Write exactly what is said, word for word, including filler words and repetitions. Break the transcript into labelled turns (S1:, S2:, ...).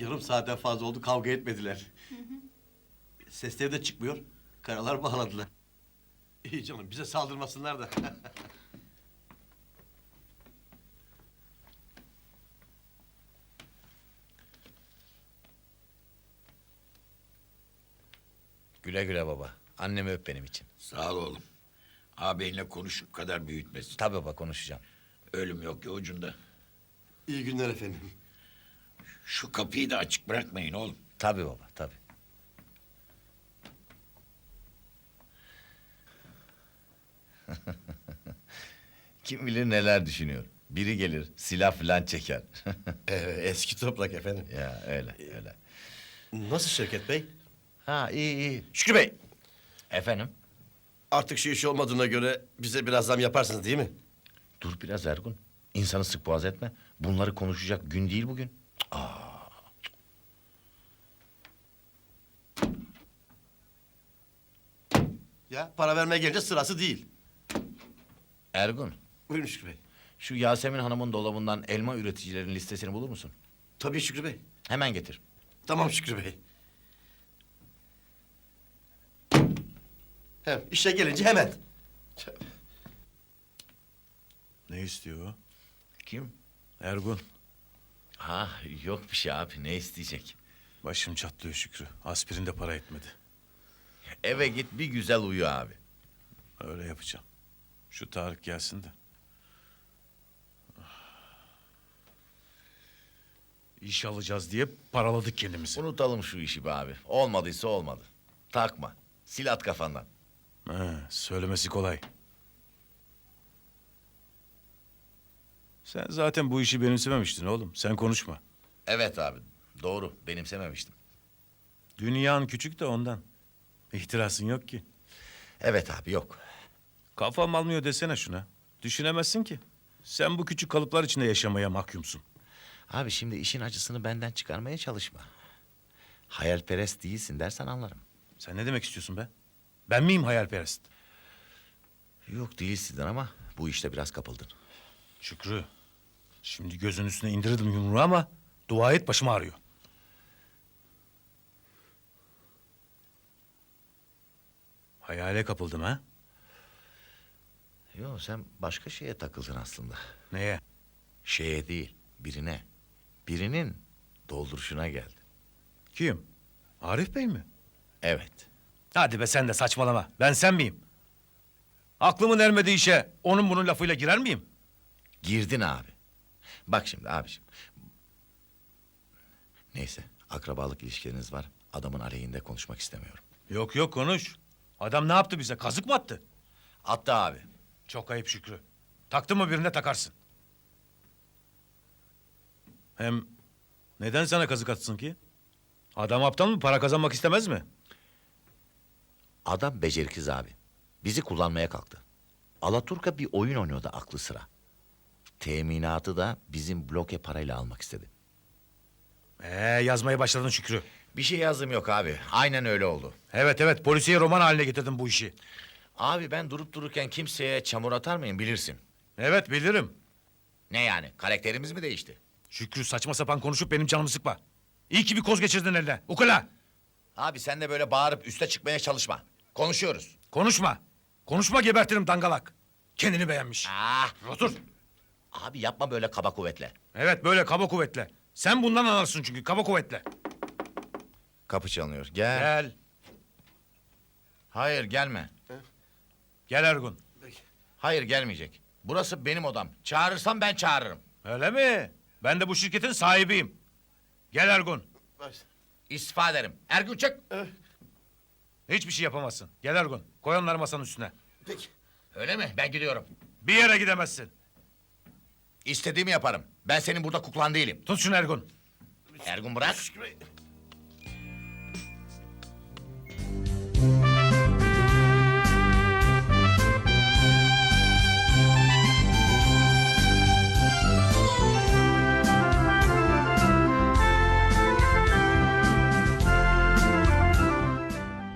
S1: Yarım saatten fazla oldu, kavga etmediler. Sesleri de çıkmıyor. Karalar bağladılar. İyi canım, bize saldırmasınlar da.
S2: Güle güle baba. Annemi öp benim için.
S3: Sağ ol oğlum. Ağabeyinle konuşup kadar büyütmesin.
S2: Tabii baba, konuşacağım.
S3: Ölüm yok ya ucunda.
S1: İyi günler efendim.
S3: Şu kapıyı da açık bırakmayın oğlum.
S2: Tabii baba, tabii. Kim bilir neler düşünüyor. Biri gelir, silah falan çeker.
S1: Evet, eski toprak efendim.
S2: Ya öyle, öyle.
S1: Nasıl Şevket Bey?
S2: Ha, iyi iyi. Şükrü Bey! Efendim?
S1: Artık şu iş olmadığına göre bize biraz zam yaparsınız değil mi?
S2: Dur biraz Ergun. İnsanı sık boğaz etme. Bunları konuşacak gün değil bugün.
S1: Ya para vermeye gelince sırası değil.
S2: Ergun,
S1: Buyurun Şükrü Bey.
S2: şu Yasemin Hanım'ın dolabından elma üreticilerin listesini bulur musun?
S1: Tabii Şükrü Bey.
S2: Hemen getir.
S1: Tamam Şükrü Bey. Hem işe gelince hemen.
S4: Ne istiyor o?
S2: Kim?
S4: Ergun.
S2: Ha, yok bir şey abi. Ne isteyecek?
S4: Başım çatlıyor Şükrü. Aspirin de para etmedi.
S2: Eve git bir güzel uyu abi.
S4: Öyle yapacağım. Şu Tarık gelsin de. İş alacağız diye paraladık kendimizi.
S2: Unutalım şu işi be abi. Olmadıysa olmadı. Takma. Sil at kafandan.
S4: He, söylemesi kolay. Sen zaten bu işi benimsememiştin oğlum. Sen konuşma.
S2: Evet abi. Doğru. Benimsememiştim.
S4: Dünyan küçük de ondan. İhtirasın yok ki.
S2: Evet abi, yok.
S4: Kafam almıyor desene şuna. Düşünemezsin ki. Sen bu küçük kalıplar içinde yaşamaya mahkumsun.
S2: Abi şimdi işin acısını benden çıkarmaya çalışma. Hayalperest değilsin dersen anlarım.
S4: Sen ne demek istiyorsun be? Ben miyim hayalperest?
S2: Yok değilsin ama bu işte biraz kapıldın.
S4: Şükrü, şimdi gözün üstüne indirdim yumruğu ama dua et, başım ağrıyor. Hayale kapıldım ha?
S2: Yok, sen başka şeye takıldın aslında.
S4: Neye?
S2: Şeye değil, birine. Birinin dolduruşuna geldi.
S4: Kim? Arif Bey mi?
S2: Evet.
S4: Hadi be, sen de saçmalama. Ben sen miyim? Aklımın ermediği işe onun bunun lafıyla girer miyim?
S2: Girdin abi. Bak şimdi abiciğim. Neyse, akrabalık ilişkileriniz var. Adamın aleyhinde konuşmak istemiyorum.
S4: Yok yok, konuş. Adam ne yaptı bize? Kazık mı attı?
S2: Attı abi.
S4: Çok ayıp Şükrü. Taktın mı birine takarsın. Hem neden sana kazık atsın ki? Adam aptal mı? Para kazanmak istemez mi?
S2: Adam beceriksiz abi. Bizi kullanmaya kalktı. Alaturka bir oyun oynuyordu aklı sıra. Teminatı da bizim bloke parayla almak istedi.
S4: Ee, yazmaya başladın Şükrü.
S2: Bir şey yazdım yok abi. Aynen öyle oldu.
S4: Evet evet, polisiye roman haline getirdin bu işi.
S2: Abi ben durup dururken kimseye çamur atar mıyım bilirsin.
S4: Evet, bilirim.
S2: Ne yani? Karakterimiz mi değişti?
S4: Şükrü, saçma sapan konuşup benim canımı sıkma. İyi ki bir koz geçirdin eline. Ukala!
S2: Abi sen de böyle bağırıp üste çıkmaya çalışma. Konuşuyoruz.
S4: Konuşma. Konuşma, gebertirim dangalak. Kendini beğenmiş.
S2: Ah!
S4: Otur.
S2: Abi yapma böyle kaba kuvvetle.
S4: Evet, böyle kaba kuvvetle. Sen bundan anlarsın çünkü, kaba kuvvetle.
S2: Kapı çalınıyor. Gel.
S4: Gel.
S2: Hayır gelme.
S4: Gel Ergun.
S2: Hayır gelmeyecek. Burası benim odam. Çağırırsam ben çağırırım.
S4: Öyle mi? Ben de bu şirketin sahibiyim. Gel Ergun.
S2: İstifa ederim. Ergun çık.
S4: Hiçbir şey yapamazsın. Gel Ergun. Koy onları masanın üstüne.
S1: Peki.
S2: Öyle mi? Ben gidiyorum.
S4: Bir yere gidemezsin.
S2: İstediğimi yaparım. Ben senin burada kuklan değilim.
S4: Tut şunu Ergun.
S2: Ergun bırak.
S1: Şükrü Bey.